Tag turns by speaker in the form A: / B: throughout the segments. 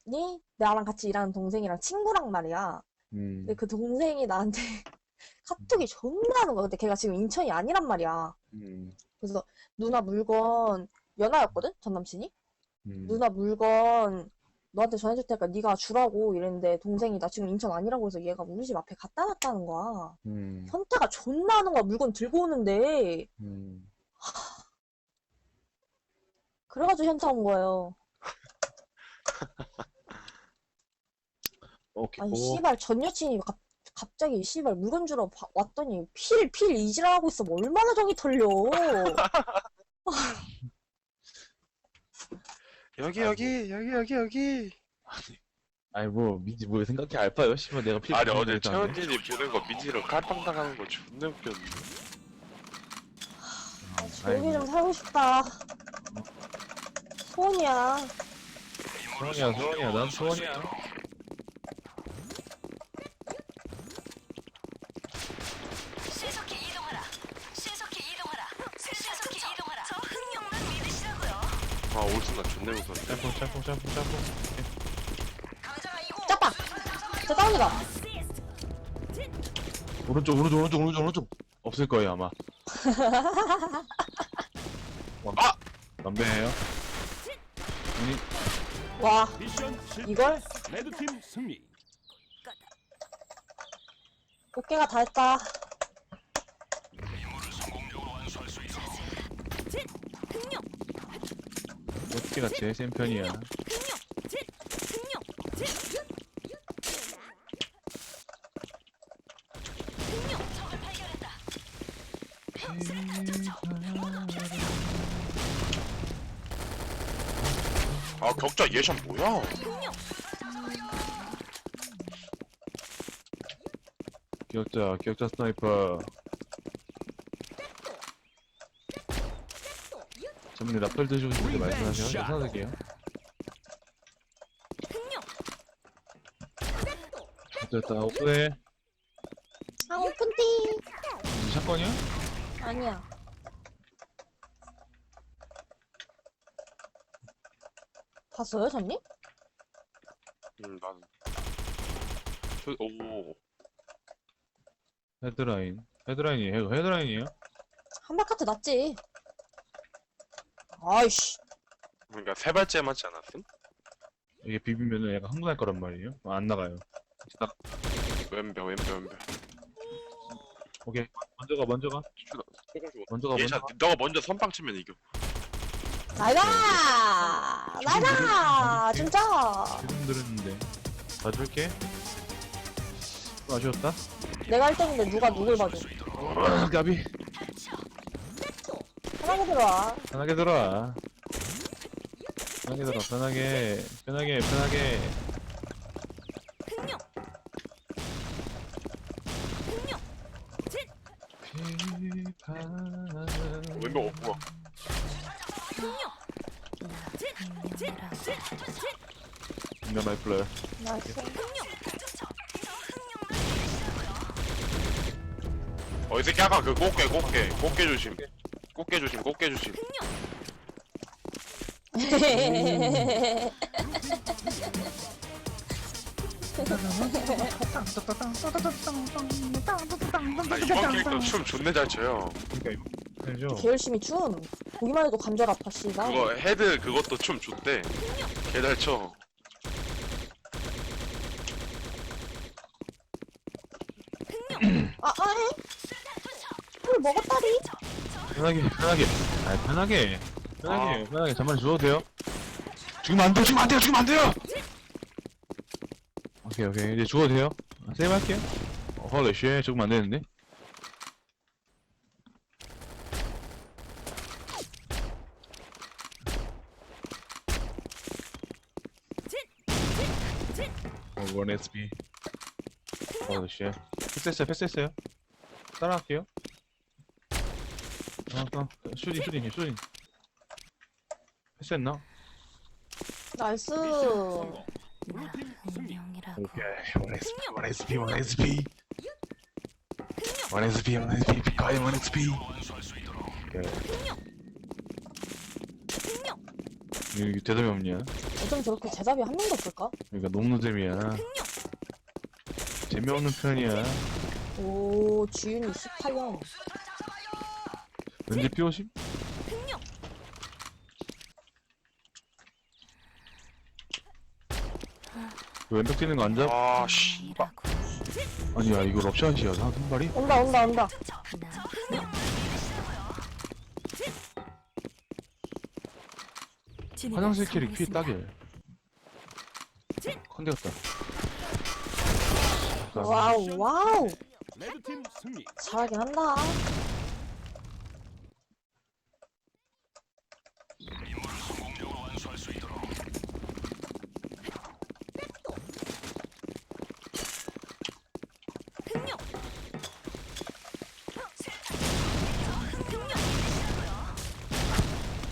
A: 나랑 같이 일하는 동생이랑 친구랑 말이야. 근데
B: 음,
A: 그 동생이 나한테 카톡이 존나 하는 거야. 근데 걔가 지금 인천이 아니란 말이야.
B: 음,
A: 그래서 누나 물건 연하였거든? 전 남친이?
B: 음,
A: 누나 물건 너한테 전해줄 테니까 네가 주라고 이랬는데 동생이 나 지금 인천 아니라고 해서 얘가 우리 집 앞에 갖다 놨다는 거야.
B: 음,
A: 현타가 존나 하는 거야. 물건 들고 오는데.
B: 음.
A: 그래가지고 현타 온 거예요.
B: 오케이,
A: 아니
B: 오.
A: 씨발 전 여친이 갑자기 씨발 물건 주러 왔더니 필 이지랄하고 있어. 뭐 얼마나 정이 털려.
C: 여기
B: 아이, 뭐,
C: 여기 여기 여기 여기.
B: 아이, 뭐, 민지, 뭐, 생각해, 알바요? 씨발, 내가 필
C: 아니
B: 주는
C: 어제
B: 거 했다는데?
C: 최현진이 보낸 거 민지로 칼빵 당하는 거 존나 웃겼는데.
B: 아이,
A: 조용히 좀
B: 뭐,
A: 살고 싶다. 소원이야.
B: 소원이야, 소원이야, 난 소원이야.
D: 신속히 이동하라. 신속히 이동하라. 신속히 이동하라. 저 흥룡만 믿으시라고요.
C: 아 올순간 존나 무서운데.
B: 짬뽕, 짬뽕, 짬뽕, 짬뽕.
D: 감자가 이고.
A: 짜빠! 저 다운이다.
B: 오른쪽, 오른쪽, 오른쪽, 오른쪽, 오른쪽. 없을 거예요, 아마.
C: 아!
B: 담배예요 아니,
A: 와,
E: 미션 실패.
A: 이걸?
E: 레드팀 승리.
A: 꽃게가 다 했다.
B: 어떻게가 제일 센 편이야.
D: 적을 발견했다.
C: 아 격자 예션 뭐야?
B: 기억자, 기억자 스나이퍼. 전문에 라펠 드시고 싶은데 말씀하세요. 저 사드릴게요. 됐다, 오픈해.
A: 아, 오픈띠.
B: 샷건이야?
A: 아니야. 봤어요, 전님?
C: 나는 오
B: 헤드라인. 헤드라인이에요. 헤드라인이에요?
A: 한바카트 났지. 아이씨.
C: 그러니까 세 발째 맞지 않았음?
B: 이게 비비면은 약간 흥분할 거란 말이에요. 안 나가요. 딱,
C: 왼벽 왼벽.
B: 오케이. 먼저 가, 먼저 가. 먼저 가, 먼저
C: 예샷
B: 가.
C: 너가 먼저 선빵 치면 이겨.
A: 나이다! 나이다! 진짜!
B: 지금 들었는데. 봐줄게. 아쉬웠다.
A: 내가 1등인데 누가 누굴 봐줘.
B: 까비.
A: 편하게 들어와.
B: 편하게 들어와. 편하게 들어, 편하게. 편하게, 편하게.
C: 왼벽 없고.
B: 인가 마이 플레이어.
A: 나이스.
C: 이 새끼 아까 그 꽃게 조심. 꽃게 조심 꽃게 조심. 아 이번 캐릭터 춤 존나 잘 춰요.
B: 그니까 이거. 알죠?
A: 개 열심히 춤. 보기만 해도 관절 아파, 씨발.
C: 그거 헤드 그것도 춤 좋대. 개 잘 춰.
A: 해? 술 먹었다리?
B: 편하게, 편하게. 아, 편하게. 편하게, 편하게. 잠만 주워도 돼요? 죽으면 안 돼요, 죽으면 안 돼요, 죽으면 안 돼요! 오케이, 오케이. 이제 죽어도 돼요? 세이브 할게요. 헐리 쉣, 죽으면 안 되는데? 원 SP. 헐리 쉣. 패스했어요, 패스했어요. 따라갈게요. 슈딩. 패스했나?
A: 나이스.
E: 성공. 블루팀 승리.
B: 오케이. 원 SP. 피카이 원 SP. 오케이. 이게 대답이 없냐?
A: 어쩜 저렇게 제답이 한 명도 없을까?
B: 그러니까 농노잼이야. 재미없는 편이야.
A: 오, 지윤이 18년.
B: 왠지 삐오심? 왼벽 뛰는 거 안 잡?
C: 아, 씨.
D: 이라고.
B: 아니야, 이거 럽샷이야. 한 발이?
A: 온다, 온다, 온다.
D: 나 흥룡만 믿으시라고요.
B: 화장실 캐릭 피 따길. 컨대였다.
A: 와우, 와우.
E: 레드팀 승리.
A: 잘하긴 한다.
D: 흥룡. 흥룡 믿으시라고요.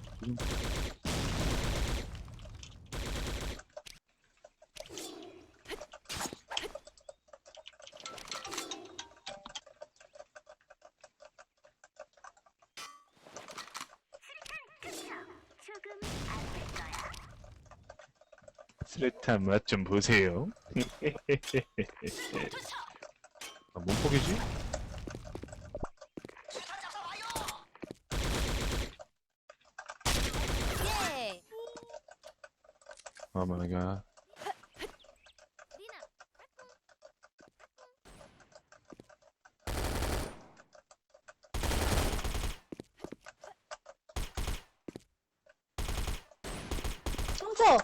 B: 스레탄 맛 좀 보세요. 아, 뭔 폭이지?
D: 예.
B: 아, 마이갓.
A: 훔쳐!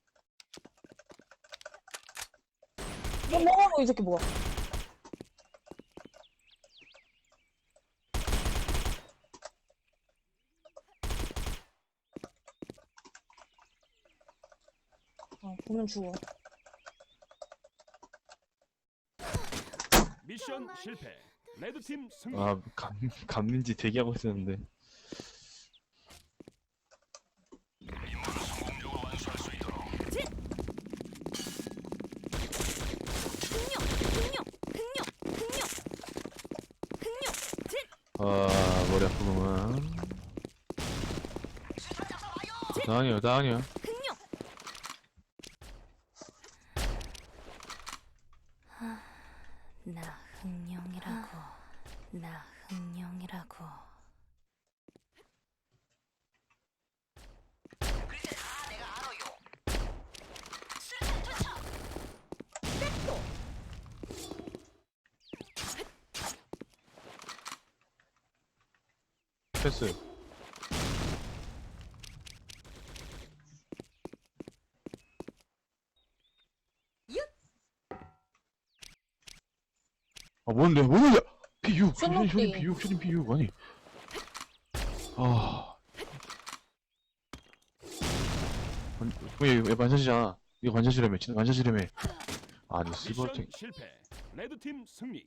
A: 뭐 먹어, 이 새끼 뭐야. 보면 죽어.
E: 미션 실패. 레드팀 승리.
B: 아, 감는지 대기하고 있었는데.
D: 흥룡. 흥룡. 흥룡. 흥룡. 흥룡.
B: 아, 머리 아프구만. 나아니야, 나아니야.
D: 흥룡. 나 흥룡이라고. 나 흥룡이라고.
B: 패스. 아, 뭔데? 뭔데? P6!
A: 쇼딩
B: 쇼딩 P6, 쇼딩 P6. 아니. 아. 왜 반샷이잖아. 이거 반샷이라며. 진짜 반샷이라며. 아니,
E: 미션
B: 스버팅.
E: 실패. 레드팀 승리.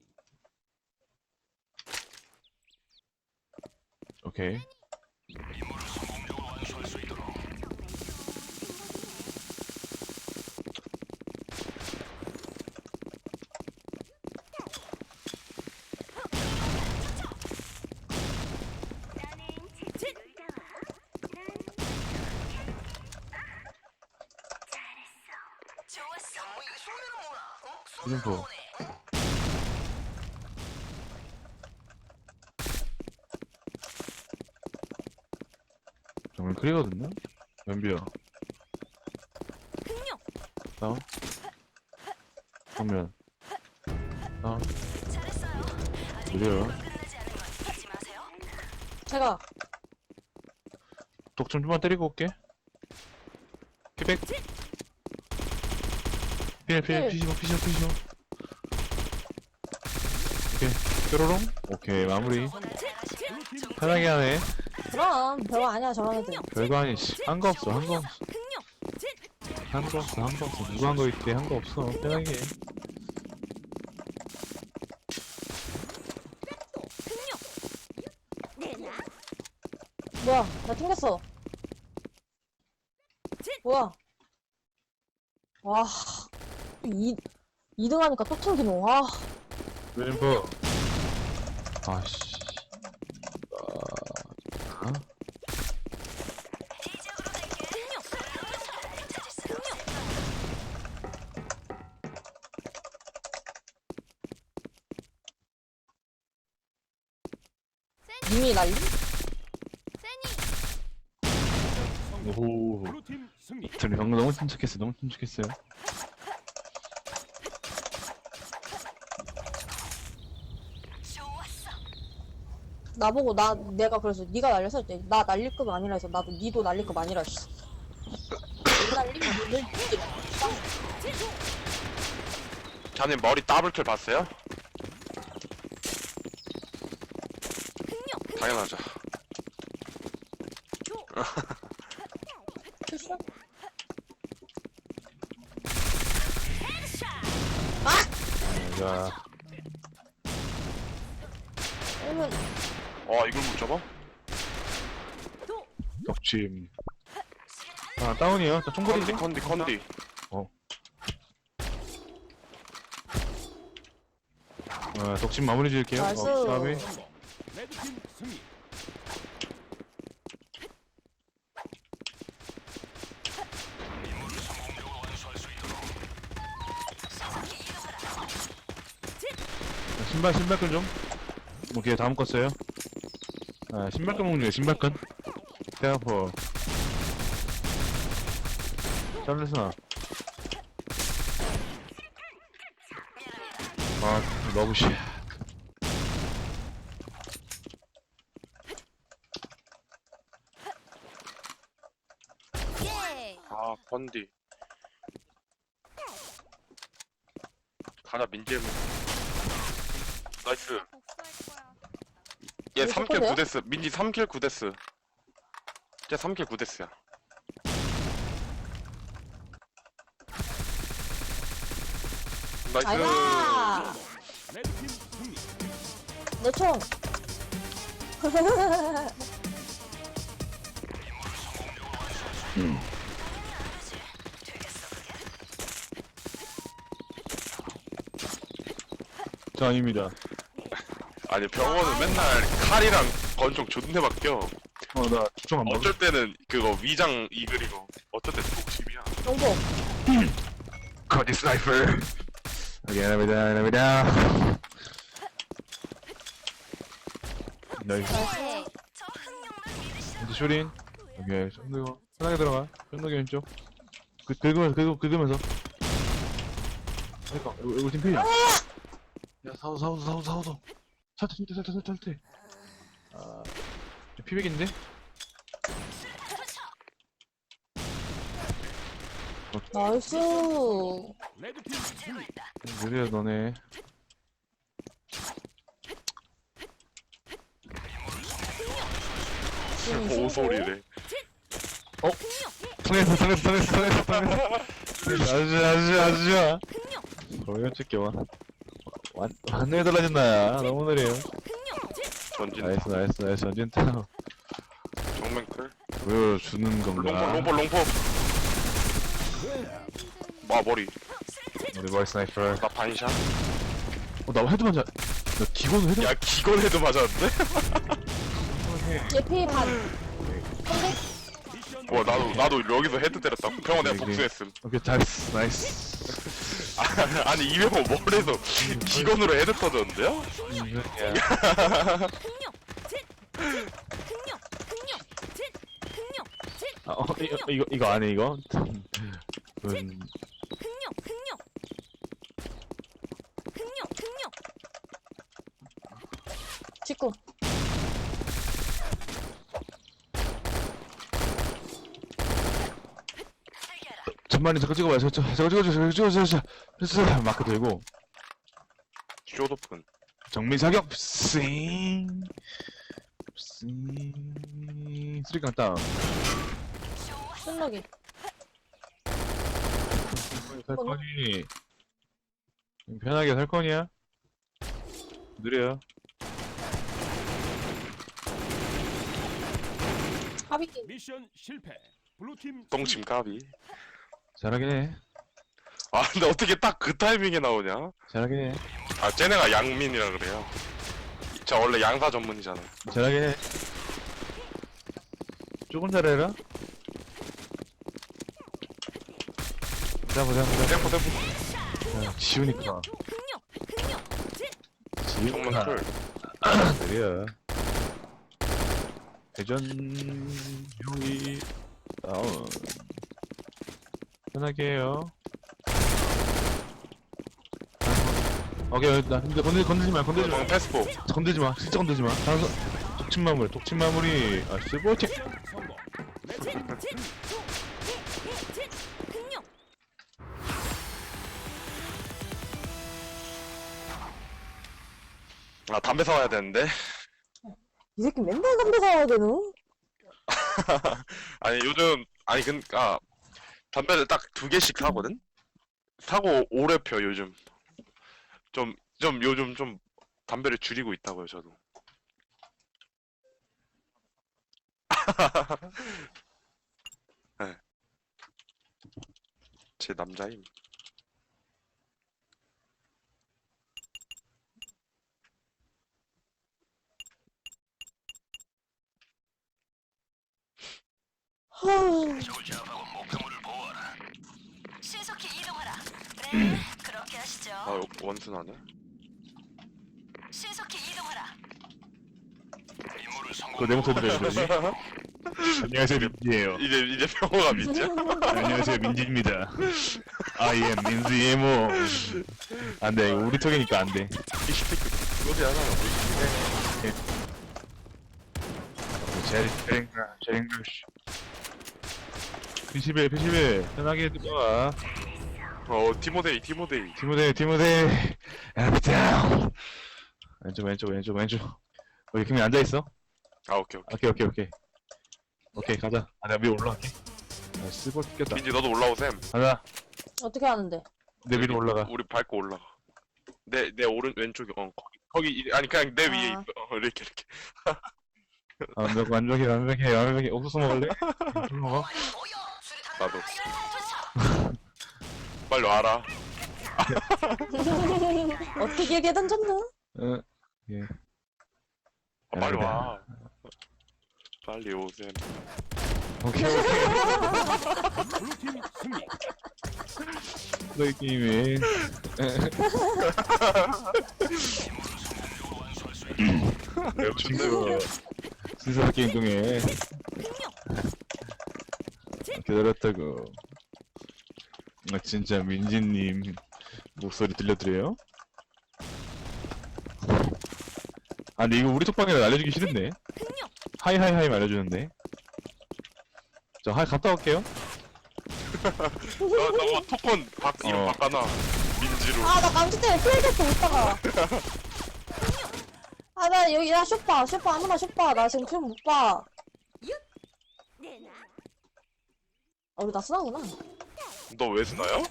B: 오케이.
D: 좋았어. 이거 손으로 몰아. 어?
B: 이름 뭐? 정말 크리거든요? 연비야.
D: 흥룡.
B: 다운. 정면. 다운.
D: 잘했어요. 아직
B: 느려요.
D: 끝나지 않은 건 잊지 마세요.
A: 제가,
B: 독점 좀만 때리고 올게. 피백. 필, 피시모. 오케이. 뾰로롱. 오케이, 마무리.
E: 블루팀
B: 편하게 하네.
A: 그럼, 별거 아니야, 저런 애들.
B: 별거 아니, 한 거 없어.
D: 흥룡.
B: 한 거 없어. 누가 한 거 있대. 한 거 없어. 편하게 해.
A: 뭐야, 나 튕겼어. 뭐야. 와, 2등 하니까 또 튕기노. 와,
B: 왼버. 아씨.
D: 이쪽으로 갈게.
A: 이미 날림?
B: 오호.
E: 블루팀 승리.
B: 저는 방금 너무 침착했어요. 너무 침착했어요.
D: 좋았어.
A: 나보고 내가 그래서 네가 날려서 했지. 나 날릴급 아니라 해서 나도 니도 날릴급 아니라 했어. 내 날리면 늘 니지.
C: 자님 머리 더블킬 봤어요? 당연하죠.
A: 출시야?
B: 자,
A: 그러면
C: 이걸 못 잡아?
B: 덕침. 아, 다운이에요. 저 총거리지?
C: 컨디.
B: 덕침 마무리 지을게요.
A: 나이스.
B: 다음에.
E: 레드팀 승리.
B: 신발끈 좀. 오케이, 다음 거 써요. 신발끈 먹는 거 신발끈. 대아퍼. 짤레스나. 러브시.
C: 컨디. 가자, 민재무. 나이스. 얘
A: 이거
C: 3킬
A: 똑같아요?
C: 9데스. 민지 3킬 9데스. 쟤 3킬 9데스야. 나이스.
A: 아이가
E: 레드팀 승리.
A: 내 총.
B: 저 아닙니다.
C: 아니, 병원은 맨날 칼이랑 권총 존내 바뀌어.
B: 나 축청 안 먹어.
C: 어쩔 때는 그거 위장 이글이고, 어쩔 때는 독침이야.
A: 정보.
B: 커디 스나이퍼. 미안합니다. 나이스.
D: 저 흥룡만 믿으시라.
B: 이제 쇼린. 오케이, 쫀득어. 편하게 들어가. 쫀득이 왼쪽. 긁으면서. 그니까, 이거 팀 필이야. 야, 사우도. 살때. 피백인데?
A: 나이스.
E: 레드팀 승리.
B: 느려, 너네.
C: 오소리래.
B: 통했어. 아주 좋아. 거의 찍게 와. 완전히 달라진 나야. 너무 느려요.
C: 전진.
B: 나이스. 전진 타워.
C: 정면클.
B: 보여주는 겁니다.
C: 롱포. 머리.
B: 우리 머리 스나이퍼.
C: 나 반샷.
B: 나 헤드 맞아. 나 기본 헤드
C: 야, 기건 헤드 맞았는데?
A: 예피 반.
E: 미션
C: 나도 여기서 헤드 때렸다. 병원 내가
B: 그래.
C: 복수했음.
B: 오케이, 잘했어. 나이스.
C: 아니, 이병호 머리에서 기건으로 헤드 터졌는데요?
B: 이거 안 해, 이거?
A: 직구.
B: 전만이 저거 찍어봐요. 저거 마크 들고.
C: 쇼도픈.
B: 정밀 사격. 쓰리깡 다운.
A: 순록이.
B: 살 거니. 편하게 살 거냐? 느려요.
A: 하비기.
E: 미션 실패. 블루팀
C: 똥침 까비.
B: 잘하긴 해.
C: 근데 어떻게 딱 그 타이밍에 나오냐?
B: 잘하긴 해.
C: 쟤네가 양민이라 그래요. 저 원래 양사 전문이잖아.
B: 잘하긴 해. 조금 잘해라. 보자.
C: 템포.
B: 야, 지우니까.
C: 정면
B: 지우니까.
C: 클.
B: 느려. 회전 형이 다운. 편하게 해요. 오케이, 나 근데 건들지 마.
C: 패스포.
B: 건들지 마. 진짜 건들지 마. 독침 마무리. 아, 실버팅.
E: 성공. 레드팀 승리.
C: 아 담배 사와야 되는데.
A: 이 새끼 맨날 담배 사와야 되노?
C: 아니 요즘 아니 그니까 담배를 딱 2개씩 사거든. 사고 오래 펴 요즘. 좀 요즘 좀 담배를 줄이고 있다고요 저도. 네. 제 남자임.
A: 하...
D: 신속히 이동하라. 네, 그렇게 하시죠.
C: 아 원순하네.
D: 신속히 이동하라.
B: 그거 내 목소리 들려주지? 안녕하세요, 민지예요.
C: 이제 평호가 믿죠?
B: 안녕하세요, 민지입니다. I am 민지예모. 안 돼, 이거 우리 톡이니까 안 돼.
C: 이스피크 그거지 하나
B: 제링글씨. 피시벨, 편하게 들어와.
C: 티모데이.
B: 티모데이. 다운. 왼쪽. 여기 그냥 앉아있어.
C: 아 오케이.
B: 오케이, 가자. 아, 내가 위에 올라갈게. 아, 쓸거 뜯겼다.
C: 민지 너도 올라오셈.
B: 가자.
A: 어떻게 하는데?
B: 내 위로 올라가.
C: 우리 밟고 올라가. 내 왼쪽에 거기 아니 그냥 내 위에
A: 아.
C: 있어. 이렇게.
B: 완벽해. 옥수수 먹을래? 술 먹어?
C: 나도. 빨리 와라.
A: 어떻게 길게 던졌나?
B: 예.
C: 빨리 와. 빨리 오셈.
B: 오케이.
E: 블루팀 승리.
B: 너희 게임에. 매우 친구. 신선 게임 중에. 기다렸다고. 아, 진짜 민지님 목소리 들려드려요? 아, 근데 이거 우리 톡방에 알려주기 싫은데? 하이 알려주는데? 저 하이 갔다 올게요.
C: 너 토콘 이름 바꿔놔. 민지로.
A: 아, 나 감기 때문에 플레이데스 못다가. 아, 나 여기, 나 쇼파, 아무나 쇼파. 나 지금 film 못 봐. 우리 나 쓰나구나.
C: 너 왜 쓰나요?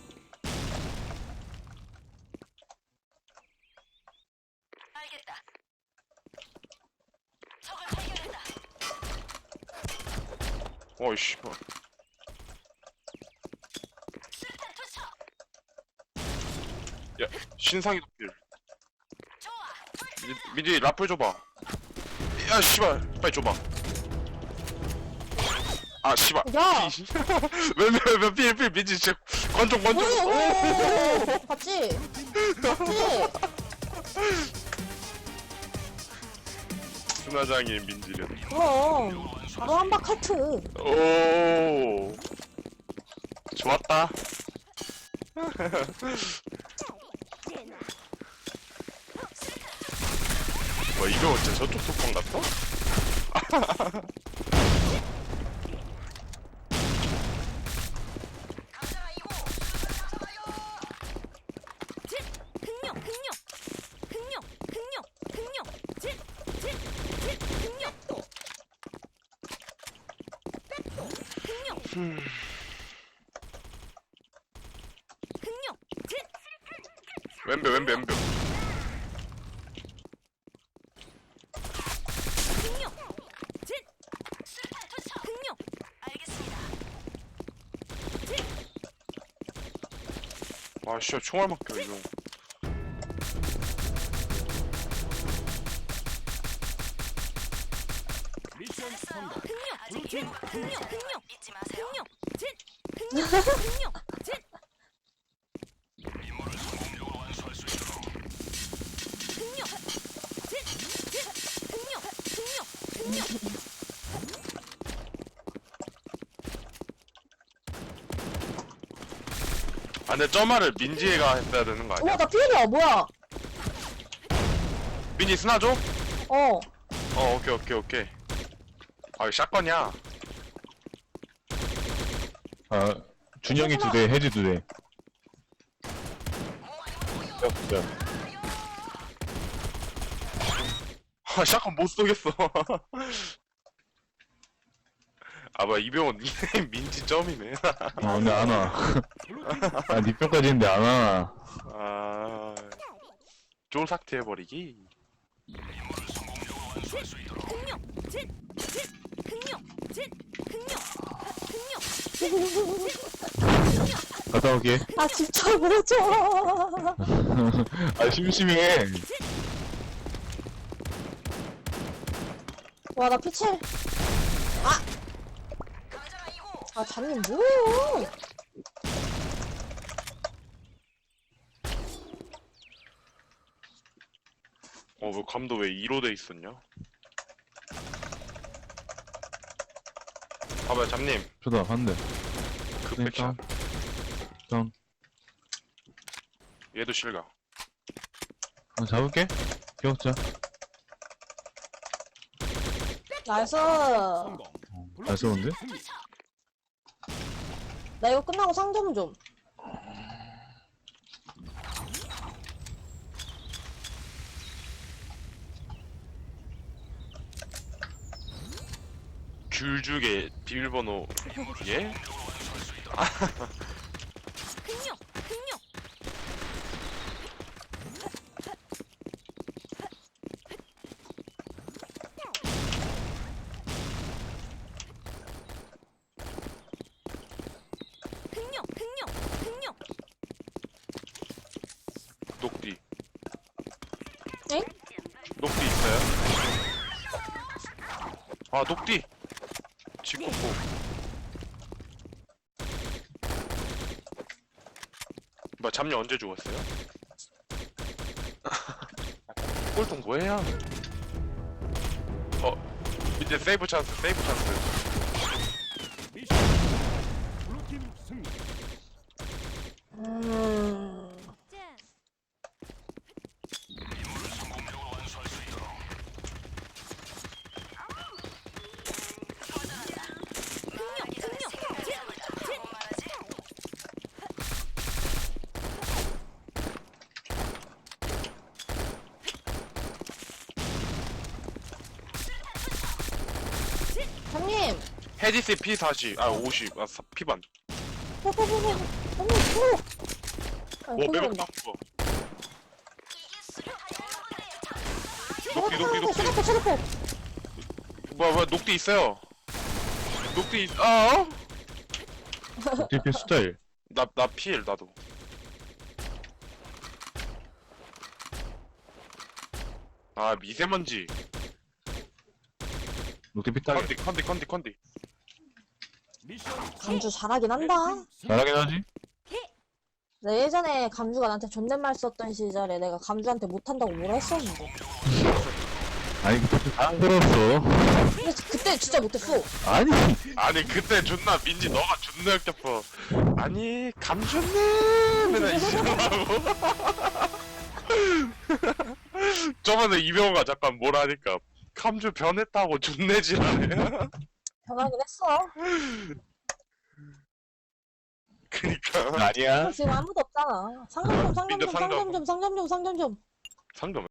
D: 알겠다. 적을 발견했다.
C: 어이씨.
D: 수류탄 투척.
C: 야 신상이 도필.
D: 좋아.
C: 민지 라플 줘봐. 야 씨발 빨리 줘봐. 아 씨발.
A: 야!
C: 왜필 민지 진짜 관종.
A: 오! 봤지?
C: 순화장인 민지련.
A: 그럼. 바로 한박 하트.
C: 오 좋았다. 뭐 이거 어째 저쪽 속방 같어? 왼벽. 아 씨발 총알 막혀 이거.
E: 미션 성공. 블루팀 승리.
D: 잊지 마세요.
C: 아 근데 저 말을 민지가 했어야 되는 거 아니야?
A: 우와, 나 피해야, 뭐야?
C: 민지 스나 줘?
A: 어.
C: 오케이. 아 이거 샷건이야.
B: 아, 준영이 2대, 혜지 2대.
C: 아 샷건 못 쏘겠어. 아 뭐야 이병헌 닉네임 민지 점이네.
B: 근데 안 와. 아, 니 뼈까지 했는데 안 와.
C: 아 쫄삭트 해버리기.
B: 갔다 올게.
A: 아, 진짜 뭐죠?
B: 아, 심심해.
A: 와, 나 피칠.
D: 가자 이거.
A: 아, 잔님 뭐예요?
C: 뭐 감도 왜 2로 돼 있었냐? 봐봐요 잡님
B: 저다, 한 대.
C: 급백샷.
B: 다운.
C: 얘도 실각.
B: 잡을게. 기억자.
A: 나이스.
E: 성공.
B: 잘 쏘는데?
E: 승리.
A: 나 이거 끝나고 상점 좀.
C: 귤죽의 비밀번호 예? 녹디.
A: 엥?
C: 녹디 있어요? 아 녹디. 직구포. 뭐 잠녀 언제 죽었어요? 꼴통 뭐해요? 이제 세이브 찬스.
E: 미션 블루팀 승리.
A: 잔님.
C: 헤디스 P40 50 P반.
A: 잔님, 아,
C: 매력
A: 큰일난다.
C: 거. 녹디.
A: 쳐다보.
C: 뭐야 녹디 있어요. 녹디
B: DP 스타일.
C: 나 필 나도. 아 미세먼지.
B: 녹대 피따게.
C: 컨디.
E: 미션
A: 감주 잘하긴 한다.
B: 잘하긴 하지?
A: 나 예전에 감주가 나한테 존댓말 썼던 시절에 내가 감주한테 못한다고 뭐라 했었는데.
B: 아니, 그때 안 들었어.
A: 근데 그때 진짜 못했어.
B: 아니,
C: 그때 존나 민지 너가 존나 역겹어. 아니 감존네 맨날 이러고. 저번에 이병호가 잠깐 뭐라 하니까 감주 변했다고 존내지라네.
A: 변하긴 했어.
C: 그니까
B: 아니야.
A: 지금 아무도 없잖아. 상점 좀.
C: 상점.